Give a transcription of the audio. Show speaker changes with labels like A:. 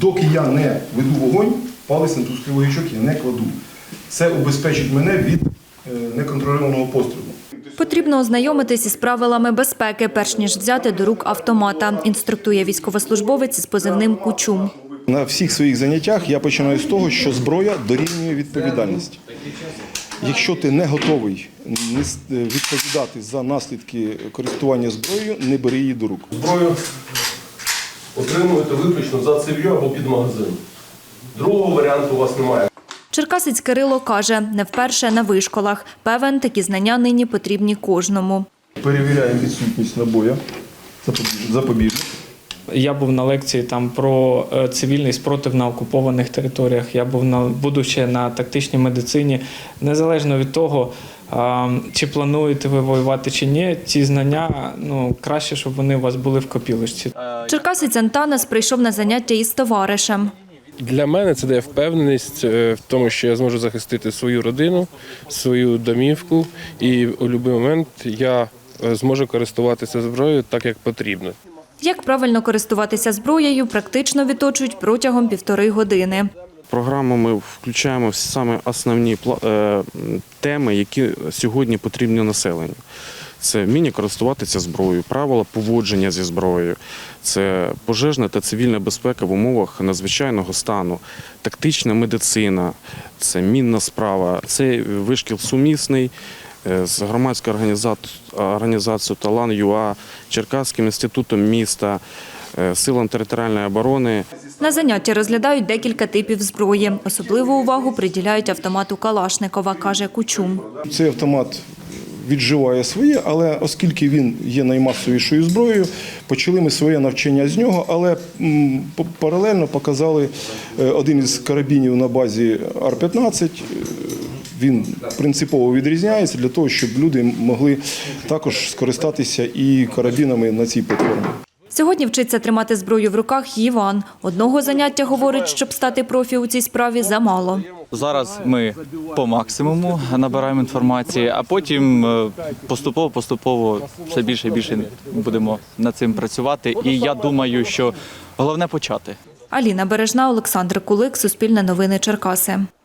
A: доки я не веду вогонь, палець на тусклий ячок я не кладу. Це убезпечить мене від неконтрольованого пострілу.
B: Потрібно ознайомитись із правилами безпеки, перш ніж взяти до рук автомата, інструктує військовослужбовець із позивним «Кучум».
A: На всіх своїх заняттях я починаю з того, що зброя дорівнює відповідальність. Якщо ти не готовий відповідати за наслідки користування зброєю, не бери її до рук.
C: Зброю отримуєте виключно за цев'ю або під магазин. Другого варіанту у вас немає.
B: Черкасець Кирило каже, не вперше на вишколах. Певен, такі знання нині потрібні кожному.
A: Перевіряємо відсутність набоя, запобіжник.
D: Я був на лекції там про цивільний спротив на окупованих територіях. Я буду ще на тактичній медицині. Незалежно від того, чи плануєте ви воювати чи ні, ці знання, краще, щоб вони у вас були в копілочці.
B: Черкасець Антанас прийшов на заняття із товаришем.
E: Для мене це дає впевненість в тому, що я зможу захистити свою родину, свою домівку, і у будь-який момент я зможу користуватися зброєю так, як потрібно.
B: Як правильно користуватися зброєю, практично відточують протягом 1,5 години.
F: В програму ми включаємо саме основні теми, які сьогодні потрібні населенню. Це вміння користуватися зброєю, правила поводження зі зброєю, це пожежна та цивільна безпека в умовах надзвичайного стану, тактична медицина, це мінна справа, це вишкіл сумісний з громадською організацією «Талан.ЮА», Черкаським інститутом міста, Силам територіальної оборони.
B: На занятті розглядають декілька типів зброї. Особливу увагу приділяють автомату Калашникова, каже Кучум.
A: Цей автомат відживає своє, але оскільки він є наймасовішою зброєю, почали ми своє навчання з нього, але паралельно показали один із карабінів на базі Ар-15. Він принципово відрізняється для того, щоб люди могли також скористатися і карабінами на цій платформі.
B: Сьогодні вчиться тримати зброю в руках Іван. Одного заняття, говорить, щоб стати профі у цій справі, замало.
G: Зараз ми по максимуму набираємо інформації, а потім поступово все більше і більше будемо над цим працювати. І я думаю, що головне почати.
B: Аліна Бережна, Олександр Кулик, Суспільне новини Черкаси.